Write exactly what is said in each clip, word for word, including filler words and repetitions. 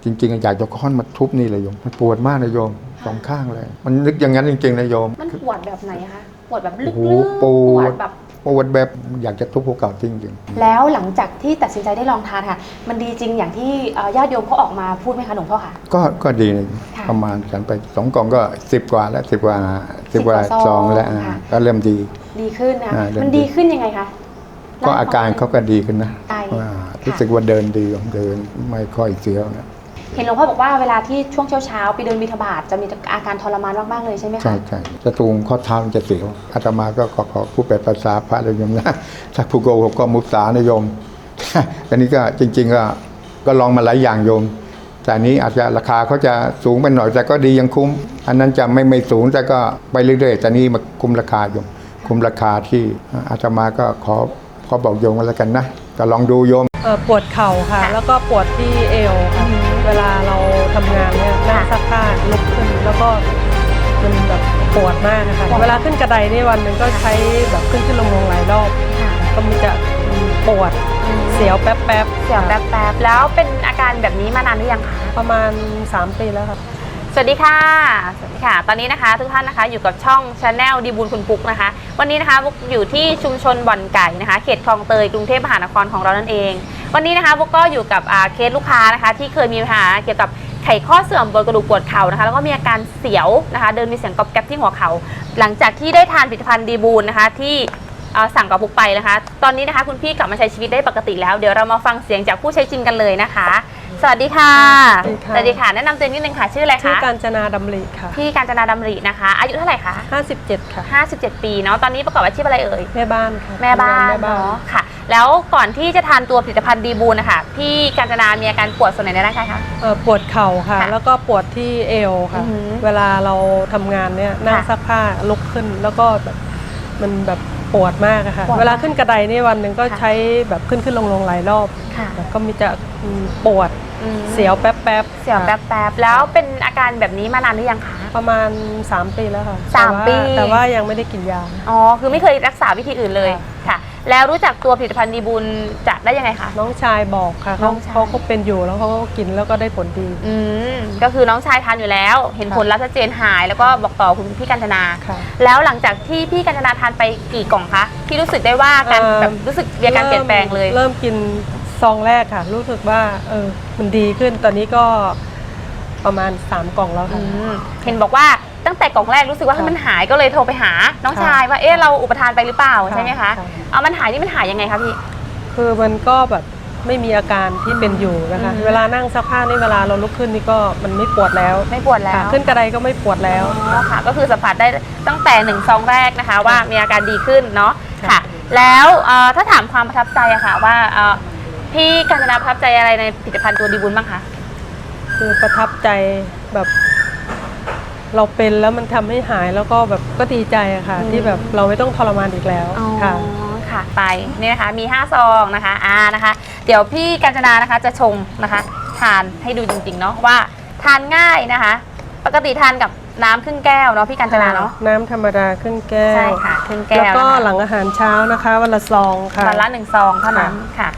ริงๆอยากจะค้อนมาทุบนี่เลยโยมมันปวดมากนะโยมสองข้างเลยมันนึกอย่างนั้นจริงๆนะโยมมันปวดแบบไหนคะปวดแบบลึกโอ้ๆโหปวดแบบปวดแบบอยากจะทุบหัวเก่าจริงๆแล้วหลังจากที่ตัดสินใจได้ลองทานค่ะมันดีจริงอย่างที่ญาติโยมเขาออกมาพูดไหมคะหลวงพ่อคะก็ก็ดีนะประมาณฉันไปสองกล่องก็สิบกว่าแล้วสิบกว่าสิบกว่าซองแล้วก็เริ่มดีดีขึ้นนะมันดีขึ้นยังไงคะก็อาการเขาก็ดีขึ้นนะรู้สึกว่าเดินดีเดินไม่ค่อยเสียวนะเห็นหลวงพ่อบอกว่าเวลาที่ช่วงเช้าๆไปเดินบิณฑบาตจะมีอาการทรมานมากๆเลยใช่ไหมคะใช่ใช่จะตูงข้อเท้าจะเสียวอาตมาก็ขอขอผู้แปลภาษาพระเลยโยมนะถ้าผู้โกหกก็มุสานะโยมอันนี้ก็จริงๆก็ก็ลองมาหลายอย่างโยมแต่นี้อาจจะราคาเขาจะสูงไปหน่อยแต่ก็ดียังคุ้มอันนั้นจะไม่ไม่สูงแต่ก็ไปเรื่อยๆแต่นี้มาคุ้มราคาโยมคุ้มราคาที่อาตมาก็ขอขอบอกโยมกันแล้วกันนะก็ลองดูโยมปวดเข่าค่ะแล้วก็ปวดที่เอวค่ะเวลาเราทำงานเนี่ยนั่งซักผ้าลุกขึ้นแล้วก็มันแบบปวดมากนะคะเวลาขึ้นกระไดนี่วันหนึ่งก็ใช้แบบขึ้นขึ้นลงลงหลายรอบก็มันจะปวดเสียวแป๊บแป๊บเสียวแป๊บแป๊บแล้วเป็นอาการแบบนี้มานานหรือยังคะประมาณสามปีแล้วค่ะสวัสดีค่ะสวัสดีค่ะตอนนี้นะคะทุกท่านนะคะอยู่กับช่อง Channel ดีบุญคุณปุ๊กนะคะวันนี้นะคะบุ๊กอยู่ที่ชุมชนบ่อนไก่นะคะเขตคลองเตยกรุงเทพมหานครของเรานั่นเองวันนี้นะคะบุ๊กก็อยู่กับเคสลูกค้านะคะที่เคยมีปัญหาเกี่ยวกับไขข้อเสื่อมบนกระดูกปวดเข่านะคะแล้วก็มีอาการเสียวนะคะเดินมีเสียงกรอบแกรบที่หัวเข่าหลังจากที่ได้ทานผลิตภัณฑ์ดีบุญนะคะที่สั่งกับบุ๊กไปนะคะตอนนี้นะคะคุณพี่กลับมาใช้ชีวิตได้ปกติแล้วเดี๋ยวเรามาฟังเสียงจากผู้ใช้จริงกันเลยนะคะสวัสดีค่ะสวัสดีค่ะแนะนำตัวนิดนึงค่ะชื่ออะไรคะชื่อกาญจนาดำริค่ะพี่กาญจนาดำรินะคะอายุเท่าไหร่คะห้าสิบเจ็ดค่ะห้าสิบเจ็ดปีเนาะตอนนี้ประกอบอาชีพอะไรเอ่ยแม่บ้านค่ะแม่บ้านเนาะค่ะแล้วก่อนที่จะทานตัวผลิตภัณฑ์ดีบูนนะคะพี่กาญจนามีอาการปวดส่วนไหนในร่างกายคะเออปวดเข่าค่ะแล้วก็ปวดที่เอวค่ะเวลาเราทำงานเนี่ยนั่งซักผ้าลุกขึ้นแล้วก็แบบมันแบบปวดมากค่ะเวลาขึ้นกระไดนี่วันหนึ่งก็ใช้แบบขึ้นขึ้นลงลงหลายรอบก็มีจะปวดเสียวแป๊บแป๊บเสียวแป๊บแป๊บแล้วเป็นอาการแบบนี้มานานหรือยังคะประมาณสามปีแล้วค่ะสามปีแต่ว่ายังไม่ได้กินยาอ๋อคือไม่เคยรักษาวิธีอื่นเลยค่ะแล้วรู้จักตัวผลิตภัณฑ์ดีบุญจะได้ยังไงคะน้องชายบอกค่ะเขาเขาก็เป็นอยู่แล้วเขาก็กินแล้วก็ได้ผลดีอืมก็คือน้องชายทานอยู่แล้วเห็นผลลัพธ์ชัดเจนหายแล้วก็บอกต่อคุณพี่กาญจนาแล้วหลังจากที่พี่กาญจนาทานไปกี่กล่องคะที่รู้สึกได้ว่าการแบบรู้สึกมีอาการเปลี่ยนแปลงเลยเริ่มกินซองแรกค่ะรู้สึกว่าเออมันดีขึ้นตอนนี้ก็ประมาณสามกล่องแล้วค่ะเห็นบอกว่าตั้งแต่กล่องแรกรู้สึกว่ามันหายก็เลยโทรไปหาน้องชายว่าเอ๊ะเราอุปทานไปหรือเปล่าใช่ไหมคะเอามันหายนี่มันหายยังไงคะพี่คือมันก็แบบไม่มีอาการที่เป็นอยู่นะคะเวลานั่งซักผ้านี่เวลาเราลุกขึ้นนี่ก็มันไม่ปวดแล้วไม่ปวดแล้วขึ้นกระไดก็ไม่ปวดแล้วค่ะก็คือสัมผัสได้ตั้งแต่หนึ่งซองแรกนะคะว่ามีอาการดีขึ้นเนาะค่ะแล้วถ้าถามความประทับใจอะค่ะว่าพี่กาญจนาประทับใจอะไรในผลิตภัณฑ์ตัวดีบุญบ้างคะคือประทับใจแบบเราเป็นแล้วมันทำให้หายแล้วก็แบบก็ดีใจอะค่ะที่แบบเราไม่ต้องทรมานอีกแล้วค่ะค่ะไปนี่นะคะมีห้าซองนะคะอ่านะคะเดี๋ยวพี่กาญจนานะคะจะชงนะคะทานให้ดูจริงๆเนาะว่าทานง่ายนะคะปกติทานกับน้ำครึ่งแก้วเนาะพี่กาญจนาเนาะน้ำธรรมดาครึ่งแก้วใช่ค่ะครึ่งแก้วแล้วก็หลังอาหารเช้านะคะวันละซองค่ะวันละหนึ่งซองเท่านั้นค่ะ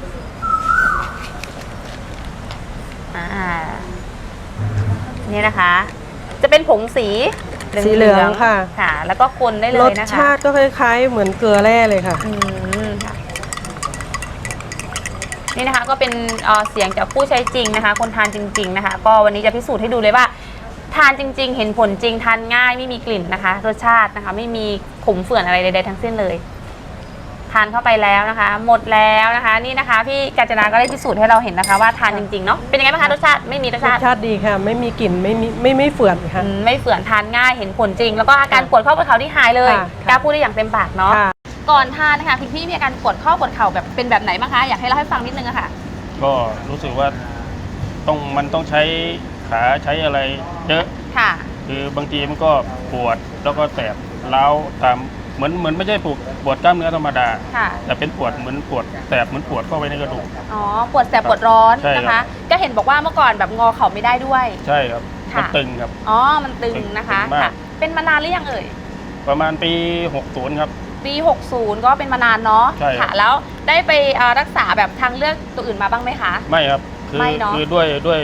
นี่นะคะจะเป็นผงสีสีเหลืองค่ะค่ะแล้วก็คนได้เลยนะคะรสชาติก็คล้ายๆเหมือนเกลือแร่เลยค่ะนี่นะคะก็เป็นเสียงจากผู้ใช้จริงนะคะคนทานจริงๆนะคะก็วันนี้จะพิสูจน์ให้ดูเลยว่าทานจริงๆเห็นผลจริงทานง่ายไม่มีกลิ่นนะคะรสชาตินะคะไม่มีขมเฝื่อนอะไรใดๆทั้งสิ้นเลยทานเข้าไปแล้วนะคะหมดแล้วนะคะนี่นะคะพี่กาญจนาก็ได้พิสูจน์ให้เราเห็นนะคะว่าทานจริงๆเนาะเป็นยังไงบ้างคะรสชาติไม่มีรสชาติรสชาติดีค่ะไม่มีกลิ่นไม่มีไม่ไม่เฝื่อนค่ะไม่เฝื่อนทานง่ายเห็นผลจริงแล้วก็อาการปวดข้อปวดเข่าที่หายเลยกล้าพูดได้อย่างเต็มปากเนาะก่อนทานนะคะคุณพี่มีอาการปวดข้อปวดเข่าแบบเป็นแบบไหนบ้างคะอยากให้เล่าให้ฟังนิดนึงอะค่ะก็รู้สึกว่าต้องมันต้องใช้ขาใช้อะไรเยอะค่ะคือบางทีมันก็ปวดแล้วก็แสบร้าวตามเหมือนเหมือนไม่ใช่ปวดปวดกล้ามเนื้อธรรมดาแต่เป็นปวดเหมือนปวดแสบเหมือนปวดเข้าไปในกระดูกอ๋อปวดแสบปวดร้อนนะคะก็เห็นบอกว่าเมื่อก่อนแบบงอเข่าไม่ได้ด้วยใช่ครับมันตึงครับอ๋อมันตึงนะคะค่ะเป็นมานานหรือยังเอ่ยประมาณปีหกสิบครับปีหกสิบก็เป็นมานานเนาะค่ะแล้วได้ไปรักษาแบบทางเลือกตัวอื่นมาบ้างไหมคะไม่ครับคือคือด้วยด้วย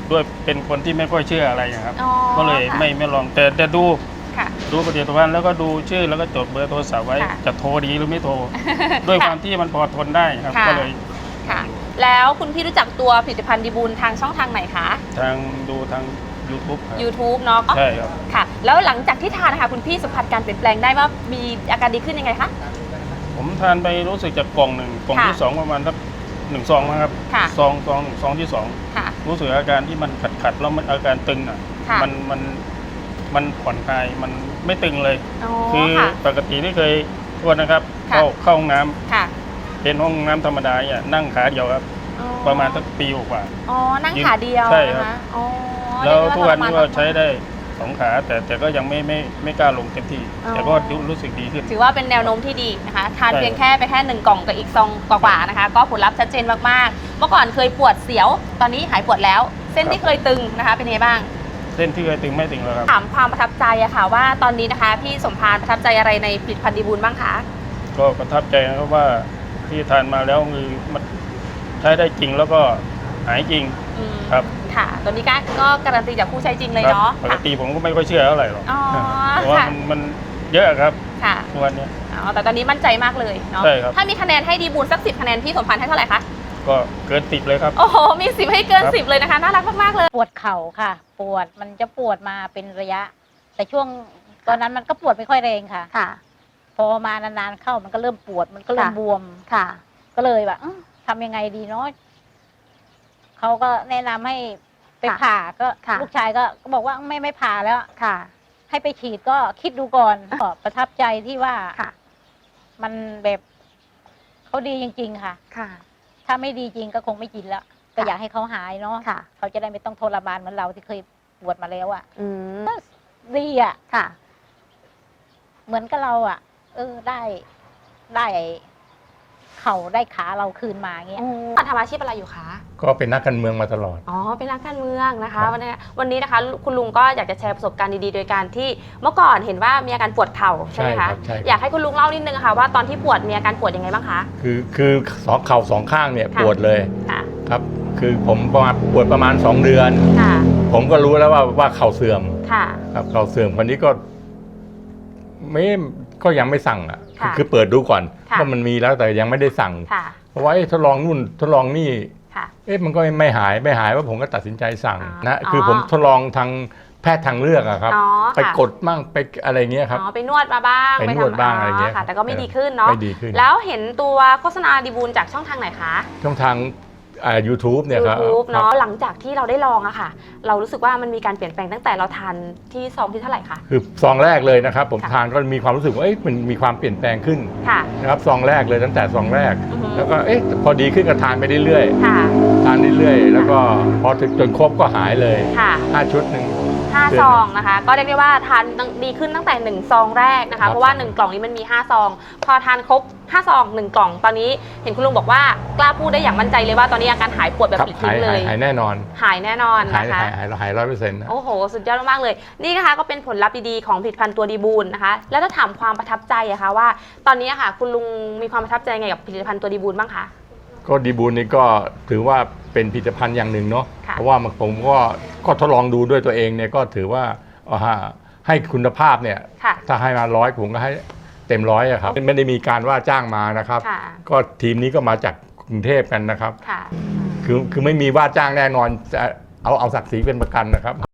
ด้วยเป็นคนที่ไม่ค่อยเชื่ออะไรนะครับอ๋อก็เลยค่ะไม่ไม่ลองแต่แต่ดูค่ะดูผลิตภัณฑ์แล้วก็ดูชื่อแล้วก็จดเบอร์โทรศัพท์ไว้ค่ะจะโทรดีหรือไม่โทร ด้วยความที่มันพอทนได้ครับค่ะก็เลยค่ะ แล้วคุณพี่รู้จักตัวผลิตภัณฑ์ดีบูลทางช่องทางไหนคะทางดูทาง YouTube ครับ YouTube เนาะใช่ครับค่ะ แล้วหลังจากที่ทานนะคะคุณพี่สัมผัสการเปลี่ยนแปลงได้ว่ามีอาการดีขึ้นยังไงคะผมทานไปรู้สึกจากกล่องหนึ่งกล่องค่ะที่สองประมาณสักหนึ่งซองนะครับค่ะซองซองหนึ่งซองที่สองค่ะรู้สึกอาการที่มันขัดขัดๆแล้วมันอาการตึงอ่ะค่ะมันมันมันผ่อนคลายมันไม่ตึงเลยอ๋อคือค่ะปกติที่เคยทวนนะครับค่ะเข้าเข้าห้องน้ำค่ะเป็นห้องน้ำธรรมดาเนี่ยนั่งขาเดียวครับอ๋อประมาณสักปีกว่าอ๋อ นั่งขาเดียวใช่ครับนะคะอ๋อแล้วเรียทุกได้วันนี้ก็ทรมใช้ได้สองขาแต่แต่ก็ยังไม่ไม่ไม่กล้าลงเต็มที่อ๋อแต่ก็รู้สึกดีขึ้นถือว่าเป็นแนวโน้มที่ดีนะคะ ทานใช่เพียงแค่ไปแค่หนึ่งกล่องกับอีกซองกว่าๆนะคะ ก็ผลลัพธ์ชัดเจนมากๆ เมื่อก่อนเคยปวดเสียว ตอนนี้หายปวดแล้ว เส้นที่เคยตึงนะคะ เป็นไงบ้างเส้นที่เคยตึงไม่ตึงแล้วครับถามความประทับใจอะค่ะว่าตอนนี้นะคะพี่สมพานประทับใจอะไรในผลิตภัณฑ์ดีบูลบ้างคะก็ประทับใจนะครับว่าที่ทานมาแล้วคือมันใช้ได้จริงแล้วก็หายจริงอืมครับค่ะตัวนี้ก็ก็การันตีจากผู้ใช้จริงเลยครับเนาะปกค่ะติผมก็ไม่ค่อยเชื่อเท่าไหร่หรอกอ๋อเพราะว่าค่ะมันมันเยอะครับค่ะทุกวันเนี้ยอ๋อแต่ตอนนี้มั่นใจมากเลยเนาะใช่ครับถ้ามีคะแนนให้ดีบูลสักสิบคะแนนพี่สมพานให้เท่าไหร่คะก็เกินติดเลยครับโอ้โหมีสิบให้เกินครับสิบเลยนะคะน่ารักมากๆเลยปวดเข่าค่ะ ปวดมันจะปวดมาเป็นระยะ แต่ช่วงตอนนั้นมันก็ปวดไม่ค่อยแรงค่ะค่ะพอมานานๆเข้ามันก็เริ่มปวดมันก็เริ่มค่ะบวมค่ะก็เลยแบบอื้อทำยังไงดีเนาะเขาก็แนะนำให้ไปค่ะผ่าก็ค่ะลูกชายก็ก็บอกว่าไม่ไม่ผ่าแล้วค่ะให้ไปฉีดก็คิดดูก่อนก็ประทับใจที่ว่าค่ะมันแบบเขาดีจริง ๆ ค่ะค่ะถ้าไม่ดีจริงก็คงไม่กินแล้วก็อยากให้เขาหายเนาะค่ะเขาจะได้ไม่ต้องทรมานเหมือนเราที่เคยปวดมาแล้วอะอืมดีอะค่ะเหมือนกับเราอ่ะ เออได้ได้เข่าได้ขาเราคืนมาเงี้ยทำอาชีพอะไรอยู่คะก็เป็นนักการเมืองมาตลอดอ๋อ เป็นนักการเมืองนะครัคะบวันนี้วันนี้นะคะ คุณลุงก็อยากจะแชร์ประสบการณ์ดีๆ โดยการที่เมื่อก่อนเห็นว่ามีอาการปวดเข่าใช่ไหมครัคะใช่อยากให้คุณลุงเล่านิดนึงค่ะว่าตอนที่ปวดมีอาการปวดยังไงบ้างคะคือคือสองเข่าสองข้างเนี่ยค่ะปวดเลยค่ะครับ คือผมประมาณปวดประมาณสองเดือนค่ะผมก็รู้แล้วว่าว่าเข่าเสื่อมค่ะครับเข่าเสื่อมคนนี้ก็ ไม่ก็ยังไม่สั่งอ่ะค่ะคือเปิดดูก่อนค่ะว่ามันมีแล้วแต่ยังไม่ได้สั่งค่ะเพราะว่าเอ๊ะทดลองนู่นทดลองนี่ค่ะเอ๊ะมันก็ไม่หายไม่หายว่าผมก็ตัดสินใจสั่งอ๋อนะคือออผมทดลองทางแพทย์ทางเลือกอะครับอ๋อไปค่ะกดมั่งไปอะไรเงี้ยครับอ๋อ ไปนวดมาบ้างไปนวดทำบ้างอะไรเงี้ยค่ะ แต่ก็ไม่เออดีขึ้นเนาะไม่ดีขึ้นแล้วเห็นตัวโฆษณาดีบูลจากช่องทางไหนคะช่องทางอ่า YouTube เนี่ยครับทูบครัเนาะบหลังจากที่เราได้ลองอะค่ะ เรารู้สึกว่ามันมีการเปลี่ยนแปลงตั้งแต่เราทานที่ซองที่เท่าไหร่คะคือซองแรกเลยนะครับ ผมค่ะทานก็มีความรู้สึกว่าเอ๊ะมันมีความเปลี่ยนแปลงขึ้นค่ะนะครับซองแรกเลยตั้งแต่ซองแรกอือฮึแล้วก็เอ๊ะพอดีขึ้นก็ทานไปเรื่อยค่ะๆทานเรื่อยๆแล้วก็พอถึงจนครบก็หายเลยค่ะห้าชุดหนึ่งห้าเดือนซองนะคะ ก็เรียกได้ว่าทานดีขึ้นตั้งแต่หนึ่งซองแรกนะครัคะบเพราะว่าหนึ่งกล่องนี้มันมีห้าซอง พอทานครบห้าซองหนึ่งกล่อง ตอนนี้เห็นคุณลุงบอกว่ากล้าพูดได้อย่างมั่นใจเลยว่าตอนนี้อาการหายปวดแบบครับปลิดหาทิ้ยงเลหายยหายแน่นอนหายแน่นอนหายนะคะหายหายหายร้อยเปอร์เซ็นต์นะโอ้โห สุดยอดมากๆเลย นี่นะคะก็เป็นผลลัพธ์ดีๆของผลิตภัณฑ์ตัวดีบูลนะคะ แล้วถ้าถามความประทับใจอะคะว่า ตอนนี้อะค่ะ คุณลุงมีความประทับใจไงกับผลิตภัณฑ์ตัวดีบูลบ้างคะก็ดีบูลนี่ก็ถือว่าเป็นผลิตภัณฑ์อย่างหนึ่งเนาะค่ะเพราะว่ามันผมก็ก็ทดลองดูด้วยตัวเองเนี่ยก็ถือว่าเอาฮะให้คุณภาพเนี่ยค่ะถ้าให้มาร้อยผมก็ให้เต็มร้อยอะครับไม่ได้มีการว่าจ้างมานะครับค่ะก็ทีมนี้ก็มาจากกรุงเทพกันนะครับค่ะคือคือไม่มีว่าจ้างแน่นอนจะเอาเอาศักดิ์ศรีเป็นประกันนะครับ